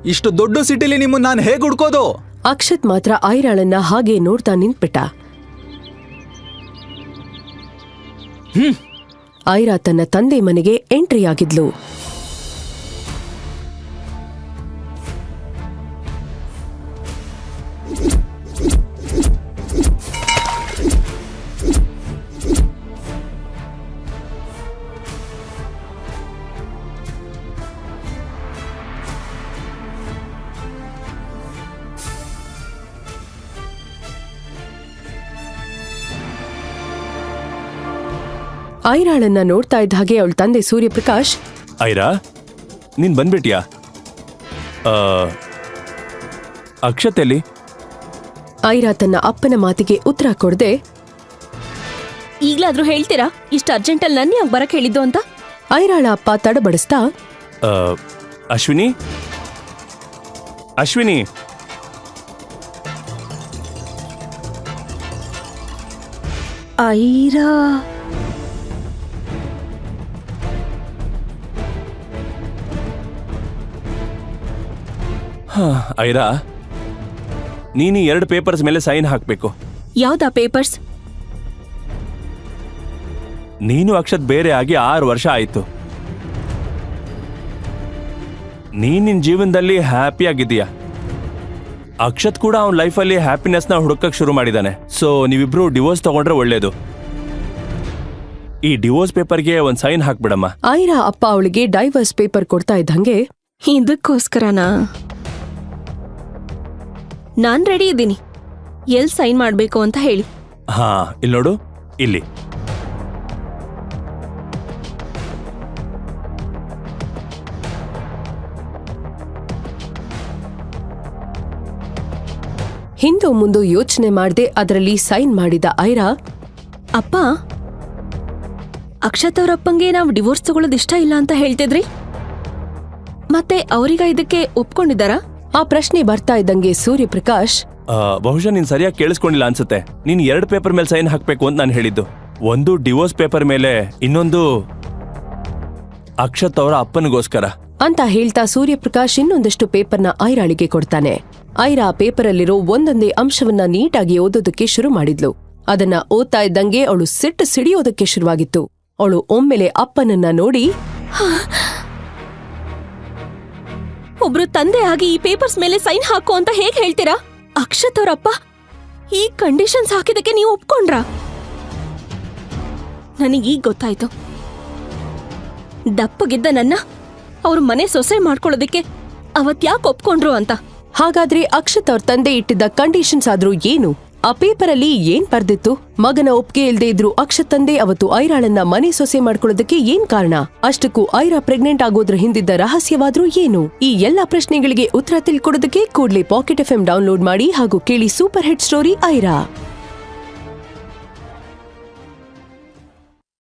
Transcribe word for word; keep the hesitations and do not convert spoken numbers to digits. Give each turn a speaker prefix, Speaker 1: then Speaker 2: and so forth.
Speaker 1: ಇಷ್ಟು ದೊಡ್ಡ ಸಿಟಿಲಿ ನಿಮ್ಮನ್ನ ನಾನು ಹೇಗೆ ಹುಡ್ಕೋದು?
Speaker 2: ಅಕ್ಷತ್ ಮಾತ್ರ ಐರಾಳನ್ನ ಹಾಗೆ ನೋಡ್ತಾ ನಿಂತ್ಬಿಟ್ಟ.
Speaker 1: ಹ್ಮ್
Speaker 2: ಐರಾ ತನ್ನ ತಂದೆ ಮನೆಗೆ ಎಂಟ್ರಿ ಆಗಿದ್ಲು. ಐರಾಳನ್ನ ನೋಡ್ತಾ ಇದ್ದ ಹಾಗೆ ಅವಳ ತಂದೆ ಸೂರ್ಯಪ್ರಕಾಶ್,
Speaker 3: ಐರಾ ನೀನ್ ಬಂದ್ಬಿಟ್ಯಾ? ಅಕ್ಷತೆಲಿ?
Speaker 2: ಐರಾ ತನ್ನ ಅಪ್ಪನ ಮಾತಿಗೆ ಉತ್ತರ ಕೊಡದೆ,
Speaker 4: ಈಗ್ಲಾದ್ರೂ ಹೇಳ್ತೀರಾ ಇಷ್ಟ ಅರ್ಜೆಂಟಲ್ಲಿ ನನ್ನ ಯಾಕೆ ಬರಕ್ ಹೇಳಿದ್ದು ಅಂತ?
Speaker 2: ಐರಾಳ ಅಪ್ಪ ತಡಬಡಿಸ್ತಾ,
Speaker 3: ಅಶ್ವಿನಿ ಅಶ್ವಿನಿ
Speaker 4: ಐರಾ
Speaker 3: ಐರಾ, ನೀನು ಎರಡು ಪೇಪರ್ಸ್ ಮೇಲೆ ಸೈನ್ ಹಾಕ್ಬೇಕು.
Speaker 4: ಯಾವ್ದಾ ಪೇಪರ್ಸ್?
Speaker 3: ನೀನು ಅಕ್ಷತ್ ಬೇರೆ ಆಗಿ ಆರು ವರ್ಷ ಆಯ್ತು. ನೀನ್ ನಿನ್ ಜೀವನದಲ್ಲಿ ಹ್ಯಾಪಿ ಆಗಿದೀಯ. ಅಕ್ಷತ್ ಕೂಡ ಅವನ ಲೈಫಲ್ಲಿ ಹ್ಯಾಪಿನೆಸ್ ನ ಹುಡುಕಕ್ ಶುರು ಮಾಡಿದಾನೆ. ಸೊ ನೀವಿಬ್ರು ಡಿವೋರ್ಸ್ ತಗೊಂಡ್ರೆ ಒಳ್ಳೇದು. ಈ ಡಿವೋರ್ಸ್ ಪೇಪರ್ಗೆ ಒಂದ್ ಸೈನ್ ಹಾಕ್ಬಿಡಮ್ಮ.
Speaker 2: ಐರಾ ಅಪ್ಪ ಅವಳಿಗೆ ಡೈವರ್ಸ್ ಪೇಪರ್ ಕೊಡ್ತಾ ಇದ್ದಂಗೆ,
Speaker 4: ಇದಕ್ಕೋಸ್ಕರನಾ? ನಾನ್ ರೆಡಿ ಇದ್ದೀನಿ. ಎಲ್ ಸೈನ್ ಮಾಡ್ಬೇಕು ಅಂತ ಹೇಳಿ.
Speaker 3: ಹಾ, ಇಲ್ಲಿ ನೋಡು, ಇಲ್ಲಿ.
Speaker 2: ಹಿಂದೂ ಮುಂದೂ ಯೋಚನೆ ಮಾಡದೆ ಅದರಲ್ಲಿ ಸೈನ್ ಮಾಡಿದ ಐರಾ,
Speaker 4: ಅಪ್ಪ, ಅಕ್ಷತ್ ಅವರಪ್ಪಂಗೆ ನಾವು ಡಿವೋರ್ಸ್ ತಗೊಳ್ಳೋದು ಇಷ್ಟ ಇಲ್ಲ ಅಂತ ಹೇಳ್ತಿದ್ರಿ, ಮತ್ತೆ ಅವರೀಗ ಇದಕ್ಕೆ ಒಪ್ಕೊಂಡಿದ್ದಾರಾ?
Speaker 2: ಆ ಪ್ರಶ್ನೆ ಬರ್ತಾ ಇದ್ದಂಗೆ ಸೂರ್ಯಪ್ರಕಾಶ್,
Speaker 3: ಬಹುಶಃ ನೀನ್ ಸರಿಯಾಗಿ ಕೇಳಿಸ್ಕೊಂಡಿಲ್ಲ ಅನ್ಸುತ್ತೆ. ನೀನ್ ಎರಡು ಪೇಪರ್ ಮೇಲೆ ಸೈನ್ ಹಾಕ್ಬೇಕು ಅಂತ ನಾನು ಹೇಳಿದ್ದು. ಒಂದು ಡಿವೋರ್ಸ್ ಪೇಪರ್ ಮೇಲೆ, ಇನ್ನೊಂದು ಅಕ್ಷತ್ ಅವರ ಅಪ್ಪನಿಗೋಸ್ಕರ
Speaker 2: ಅಂತ ಹೇಳ್ತಾ ಸೂರ್ಯಪ್ರಕಾಶ್ ಇನ್ನೊಂದಷ್ಟು ಪೇಪರ್ನ ಐರಾಳಿಗೆ ಕೊಡ್ತಾನೆ. ಐರಾ ಪೇಪರಲ್ಲಿರೋ ಒಂದೊಂದೇ ಅಂಶವನ್ನ ನೀಟಾಗಿ ಓದೋದಕ್ಕೆ ಶುರು ಮಾಡಿದ್ಲು. ಅದನ್ನ ಓದ್ತಾ ಇದ್ದಂಗೆ ಅವಳು ಸಿಟ್ಟು ಸಿಡಿಯೋದಕ್ಕೆ ಶುರುವಾಗಿತ್ತು. ಅವಳು ಒಮ್ಮೆಲೆ ಅಪ್ಪನನ್ನ ನೋಡಿ,
Speaker 4: ಒಬ್ರು ತಂದೆ ಆಗಿ ಈ ಪೇಪರ್ಸ್ ಮೇಲೆ ಸೈನ್ ಹಾಕೋ ಅಂತ ಹೇಗ್ ಹೇಳ್ತೀರಾ? ಅಕ್ಷತ್ ಅವರಪ್ಪ ಈ ಕಂಡೀಷನ್ಸ್ ಹಾಕಿದಕ್ಕೆ ನೀವು ಒಪ್ಕೊಂಡ್ರಾ? ನನಗೀಗ ಗೊತ್ತಾಯ್ತು, ದಪ್ಪಗಿದ್ದ ನನ್ನ ಅವ್ರ ಮನೆ ಸೊಸೆ ಮಾಡ್ಕೊಳ್ಳೋದಕ್ಕೆ ಅವತ್ ಯಾಕೆ ಒಪ್ಕೊಂಡ್ರು ಅಂತ.
Speaker 2: ಹಾಗಾದ್ರೆ ಅಕ್ಷತ್ ಅವ್ರ ತಂದೆ ಇಟ್ಟಿದ್ದ ಕಂಡೀಷನ್ಸ್ ಆದ್ರೂ ಏನು? ಆ ಪೇಪರಲ್ಲಿ ಏನ್ ಬರ್ದಿತ್ತು? ಮಗನ ಒಪ್ಪಿಗೆ ಇಲ್ದೇ ಇದ್ರು ಅಕ್ಷತ್ ತಂದೆ ಅವತ್ತು ಐರಾಳನ್ನ ಮನೆ ಸೊಸೆ ಮಾಡ್ಕೊಳ್ಳೋದಕ್ಕೆ ಏನ್ ಕಾರಣ? ಅಷ್ಟಕ್ಕೂ ಐರಾ ಪ್ರೆಗ್ನೆಂಟ್ ಆಗೋದ್ರ ಹಿಂದಿದ್ದ ರಹಸ್ಯವಾದ್ರೂ ಏನು? ಈ ಎಲ್ಲಾ ಪ್ರಶ್ನೆಗಳಿಗೆ ಉತ್ತರ ತಿಳ್ಕೊಡೋದಕ್ಕೆ ಕೂಡ್ಲೇ ಪಾಕೆಟ್ ಎಫ್ ಎಂ ಡೌನ್ಲೋಡ್ ಮಾಡಿ ಹಾಗೂ ಕೇಳಿ ಸೂಪರ್ ಹಿಟ್ ಸ್ಟೋರಿ ಐರಾ.